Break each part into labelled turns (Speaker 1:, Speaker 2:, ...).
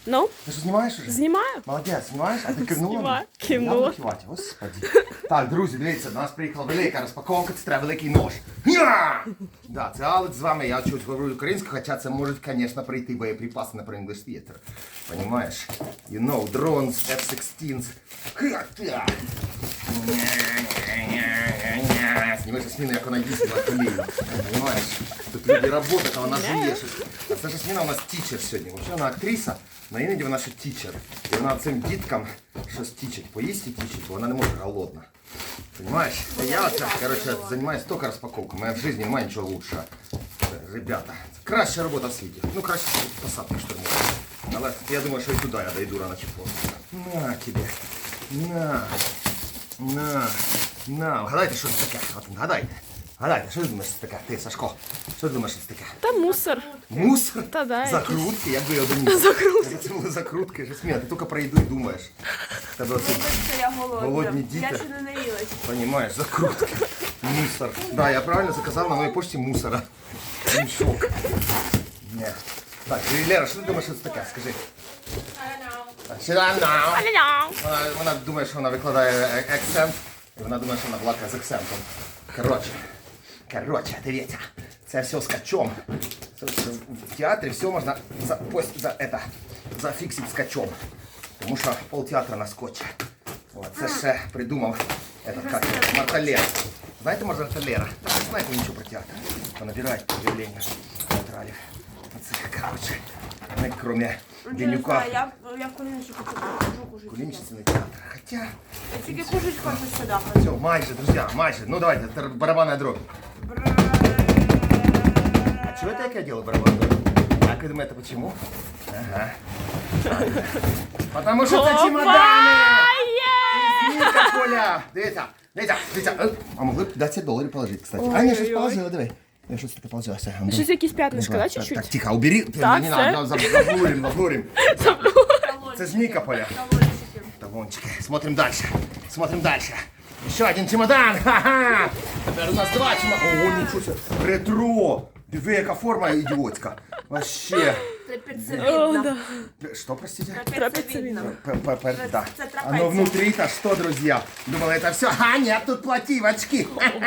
Speaker 1: Ну?
Speaker 2: Ты что, снимаешь уже?
Speaker 1: Знімаю.
Speaker 2: Молодець, знімаєш? А ти кивнула?
Speaker 1: Знімаю.
Speaker 2: Я
Speaker 1: Кивнула.
Speaker 2: буду кивати, господи. Так, друзі, дивіться, до нас приїхала велика розпаковка, це треба великий нож. Я! Да, це Алекс з вами, я чуть говорю українською, хоча це можуть, звісно, прийти боєприпаси на English Theater. Понимаешь? You know, drones, F-16s. Ха-та! Сніми Жасміну, як вона їздила коліно. Понимаешь? Тут люди працюють, а вона жує щось. А це Жасміна у нас тічер сьогодні. Взагалі вона актриса, але іноді вона ще тічер. І вона цим діткам щось тічить. Поїсть і тічить, бо вона не може голодна. Понимаешь? Я оце, короче, займаюся тільки розпаковкою. Моя в житті немає нічого лучшого. Ребята, краща робота в світі. Ну, краще посадка штурмувати. Але я думаю, що і туди я дойду рано чи поздно. На тебе. На. Вгадайте, що це таке? От вгадайте. Гадайте, що ти думаєш, що це таке? Ти, Сашко, що ти думаєш, що це таке?
Speaker 1: Та мусор.
Speaker 2: Мусор?
Speaker 1: Та да,
Speaker 2: Закрутки? Як би я думав.
Speaker 1: Закрутки.
Speaker 2: Це були закрутки. Жасміна, ти тільки про їду і думаєш. Тебе оце
Speaker 3: Я голодна.
Speaker 2: голодні діти.
Speaker 3: Я ще не наїлась.
Speaker 2: Понимаешь, закрутки. Мусор. Да, я правильно заказал на моей почте мусора. Мешок. Нет. Так, и Лера, что ты думаешь, что это такое? Скажи. Вона думає, що вона викладає акцент, і вона думає, що вона балакає з акцентом. Короче, дивіться, це все з качом. В театрі все можна зафіксити з качом. Тому що полтеатра на скотчі. От, це ще придумав Марталер. Знаєте Марталера? Так, не знаєте нічого про театр. Понабирають об'явлення театралів. Це, короче, не кроме Денюка.
Speaker 3: Я в Кулінічі хочу кушати.
Speaker 2: Кулінічний театр. Хоча...
Speaker 3: Я тільки кушать хочу сюди.
Speaker 2: Все, майже, друзья, майже. Ну давайте, это барабанная дробь. А чего это я делаю барабанную дробь? Как вы думаете, почему? Ага. Потому что это чемоданы! Из Никополя! Дивіться. А могли б $10 положить, кстати. А, ні, щось положила, давай. Я щось таке положила.
Speaker 1: Щось якісь п'ятнишка, да, чуть-чуть?
Speaker 2: Так, тихо, убери.
Speaker 1: Так,
Speaker 2: Не
Speaker 1: все.
Speaker 2: надо, заблурим. Це з Никополя. Талончики. Смотрим дальше. Еще один чемодан. Ха-ха. Теперь у нас 2 чемодана. О, ничего себе. Ретро. Диви, яка форма ідіотська. Вообще.
Speaker 3: Трапециевидно.
Speaker 2: Что, простите?
Speaker 3: Трапециевидно.
Speaker 2: Да.
Speaker 3: Це трапеція.
Speaker 2: Оно внутри-то что, друзья? Думала, это все. А, нет, тут плативочки.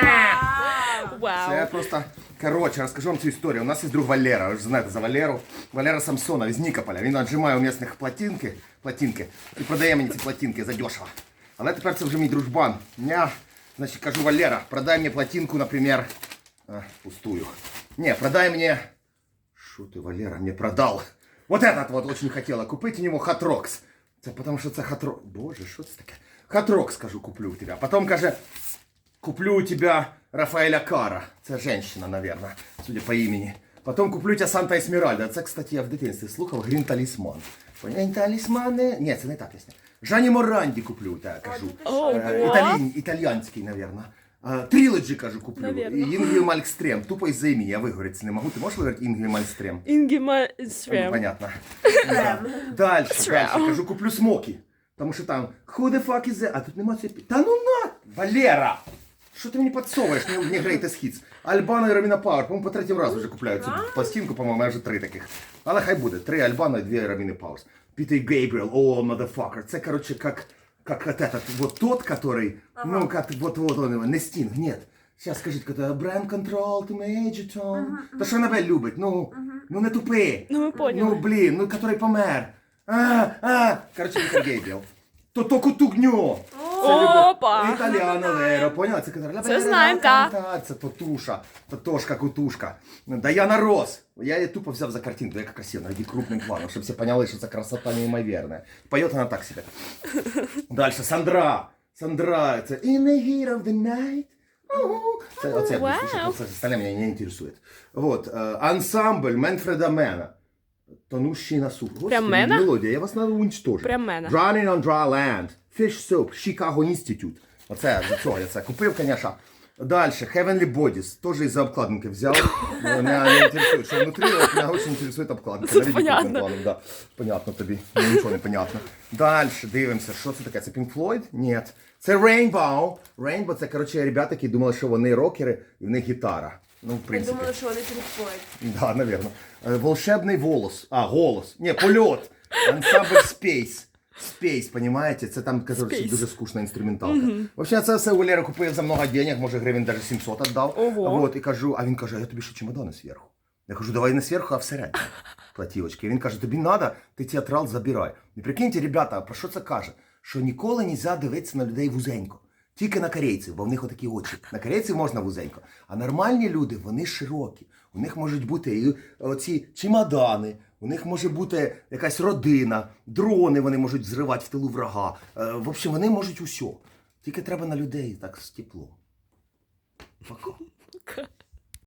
Speaker 2: Це
Speaker 1: Вау.
Speaker 2: просто... Короче, расскажу вам цю історію. У нас є друг Валера, ви ж знаєте за Валеру. Валера Самсонов із Нікополя. Він отжимає у місцевих платинки і продає мені ці платинки задешево. Але тепер це вже мій дружбан. Я, значить, кажу, Валера, продай мені платинку, наприклад, пустую. Не, продай мне... Шо ты, Валера, мне продал? Вот этот вот очень хотела купить у него Hot Rocks. Это потому что это Hot Rocks. Боже, что это такое? Hot Rocks, скажу, куплю у тебя. Потом, каже, куплю у тебя Рафаэля Кара. Это женщина, наверное, судя по имени. Потом куплю у тебя Санта Эсмеральда. Это, кстати, я в дитинстві слухав Грін Талісман. Грін Талісмани... Ні, це не та пісня. Жанні Моранді куплю у тебе, кажу. Італійський, наверное. Трилоджі, кажу, куплю.
Speaker 1: Наверно.
Speaker 2: І Інгві Малькстрем. Тупо із-за імені я вигоріти не можу. Ти можеш вигоріти Інгві Малькстрем?
Speaker 1: Інгіма
Speaker 2: Ну,
Speaker 1: Свем.
Speaker 2: понятно. Да. Дальше. Кажу, куплю смоки. Тому що там who the fuck is that? А тут нема цієї... Та ну на! Валера! Що ти мені підсовуєш? Не Greatest Hits. Альбано і Роміна Пауер. По-моєму, по 3-й раз вже купляють цю пластинку, по-моєму, я вже 3 таких. Але хай буде. 3 Альбано і 2 Роміни Пауер. Пітер Гейбріел, о, motherfucker. Це, короче, как вот этот, вот тот, который, ну, как вот он, не Стинг, нет. Сейчас скажите, это Brand Control, to Major Tom. Та що вона любить, ну не тупи.
Speaker 1: Ну, ми поняли.
Speaker 2: Ну, блін, ну, который помер. Короче, Пітер Гейбріел. То кутугньо.
Speaker 1: Опа.
Speaker 2: Італіано Леро, поняла?
Speaker 1: Це знаємо, так.
Speaker 2: Це Тотуша, Тотошка, Кутушка. Даяна Рос. Я її тупо взяв за картинку, яка красива, навіть крупним планом, щоб всі поняли, що це красота неймовірна. Поет вона так себе. Дальше, Сандра, це In the heat of the night. Оце я буду слушати, це остальне мене не інтересує. Вот, ансамбль Менфреда Мена. Тонущий на суп.
Speaker 1: Прям Мена?
Speaker 2: Мелодія, я вас треба уничтожити.
Speaker 1: Прям Мена.
Speaker 2: Running on dry land. Fish Soap, Chicago Institute. Оце, за цього я це купив, звісно. Дальше, Heavenly Bodies, тоже из-за обкладинки взял. Меня не интересует, что внутри, меня очень интересует обкладинка.
Speaker 1: Тут понятно.
Speaker 2: Планом, да. Понятно тобі, мені нічого не понятно. Дальше, дивимося, що це таке? Це Pink Floyd? Ні. Це Rainbow. Rainbow, це, коротше, ребята, які думали, що вони рокери, і в них гітара. Ну, в
Speaker 3: Я
Speaker 2: принципі.
Speaker 3: думала, що вони Pink Floyd.
Speaker 2: Да, наверное. Волшебний волос. Голос. Не, польот. Ансамбль Space. Space, понимаете? Це там, короче,
Speaker 1: Space.
Speaker 2: дуже скучна інструменталка. Взагалі, це все у Валери купив за много денег, може гривень навіть 700 віддав.
Speaker 1: Ого.
Speaker 2: Вот, і кажу, а він каже, а я тобі ще чемодани зверху. Я кажу, давай не зверху, а всередині. Платівочки. Він каже, тобі надо, ти театрал забирай. І прикиньте, ребята, про що це каже? Що ніколи не можна дивитися на людей вузенько. Тільки на корейців, бо в них отакі очі. На корейців можна вузенько. А нормальні люди, вони широкі. У них можуть бути і оці чемодани, у них може бути якась родина, дрони вони можуть зривати в тилу врага. В общем, вони можуть усьо. Тільки треба на людей так з тепло. Пока.